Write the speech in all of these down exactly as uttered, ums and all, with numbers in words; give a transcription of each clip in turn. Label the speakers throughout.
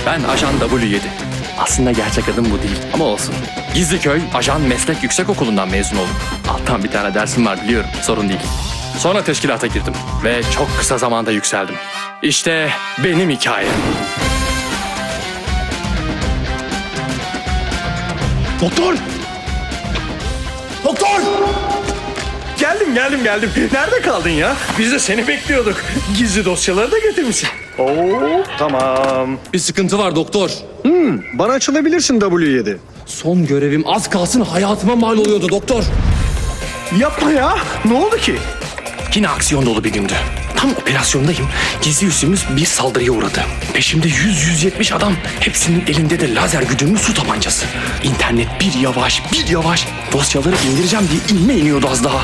Speaker 1: Ben Ajan W yedi. Aslında gerçek adım bu değil ama olsun. Gizliköy Ajan Meslek Yüksekokulu'ndan mezun oldum. Alttan bir tane dersim var biliyorum, sorun değil. Sonra teşkilata girdim ve çok kısa zamanda yükseldim. İşte benim hikayem.
Speaker 2: Doktor! Doktor! Geldim geldim geldim. Nerede kaldın ya? Biz de seni bekliyorduk. Gizli dosyaları da getirmişsin. Oo tamam.
Speaker 1: Bir sıkıntı var doktor.
Speaker 3: Bana açılabilirsin W yedi.
Speaker 1: Son görevim az kalsın hayatıma mal oluyordu doktor.
Speaker 2: Yapma ya. Ne oldu ki?
Speaker 1: Yine aksiyon dolu bir gündü. Tam operasyondayım. Gizli üssümüz bir saldırıya uğradı. Peşimde yüz yüz yetmiş adam. Hepsinin elinde de lazer güdümlü su tabancası. İnternet bir yavaş bir yavaş. Dosyaları indireceğim diye inme iniyordu az daha.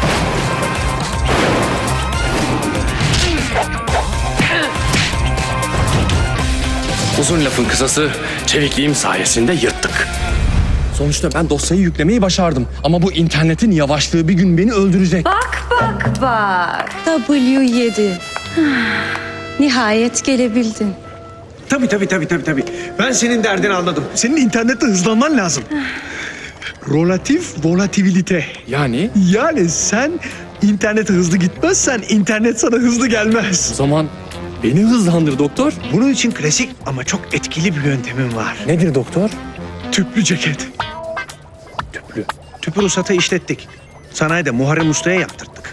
Speaker 1: Uzun lafın kısası, çevikliğim sayesinde yırttık. Sonuçta ben dosyayı yüklemeyi başardım. Ama bu internetin yavaşlığı bir gün beni öldürecek.
Speaker 4: Bak bak bak. W yedi. Nihayet gelebildin.
Speaker 3: Tabii tabii tabii tabii tabii. Ben senin derdini anladım. Senin internette hızlanman lazım. Relatif volatilite.
Speaker 1: Yani
Speaker 3: Yani sen internete hızlı gitmezsen internet sana hızlı gelmez.
Speaker 1: o zaman beni hızlandır doktor.
Speaker 3: Bunun için klasik ama çok etkili bir yöntemim var.
Speaker 1: Nedir doktor?
Speaker 3: Tüplü ceket.
Speaker 1: Tüplü.
Speaker 3: Tüpü ruhsatı işlettik. Sanayide Muharrem Usta'ya yaptırdık.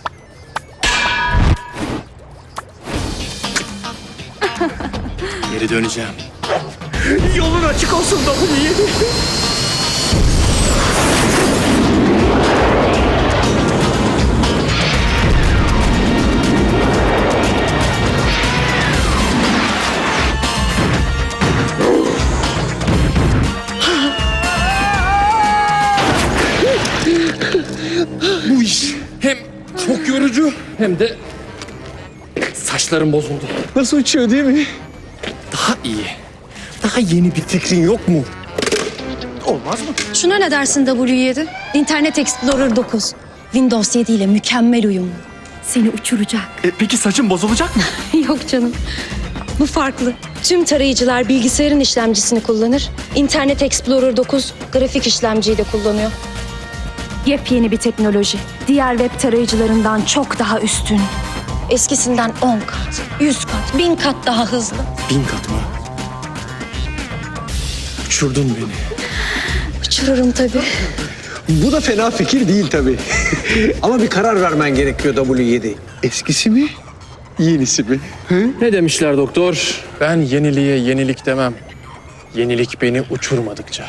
Speaker 1: Geri döneceğim.
Speaker 2: Yolun açık olsun W yedi.
Speaker 1: Bu iş hem çok yorucu hem de saçlarım bozuldu.
Speaker 3: Nasıl uçuyor değil mi?
Speaker 1: Daha iyi. Daha yeni bir fikrin yok mu?
Speaker 2: Olmaz mı?
Speaker 4: Şuna ne dersin W yedi? Internet Explorer dokuz. Windows yedi ile mükemmel uyumlu. Seni uçuracak.
Speaker 1: E, peki saçım bozulacak mı?
Speaker 4: Yok canım. Bu farklı. Tüm tarayıcılar bilgisayarın işlemcisini kullanır. Internet Explorer dokuz grafik işlemciyi de kullanıyor. Yepyeni bir teknoloji. Diğer web tarayıcılarından çok daha üstün. Eskisinden on kat, yüz kat, bin kat daha hızlı.
Speaker 1: Bin kat mı? Uçurdun beni.
Speaker 4: Uçururum tabii.
Speaker 3: Bu da fena fikir değil tabii. Ama bir karar vermen gerekiyor W yedi. Eskisi mi? Yenisi mi?
Speaker 1: Ne demişler doktor? Ben yeniliğe yenilik demem. Yenilik beni uçurmadıkça.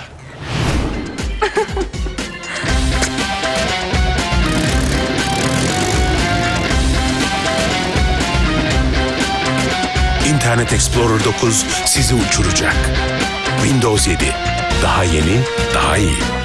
Speaker 5: Internet Explorer dokuz sizi uçuracak. Windows yedi. Daha yeni, daha iyi.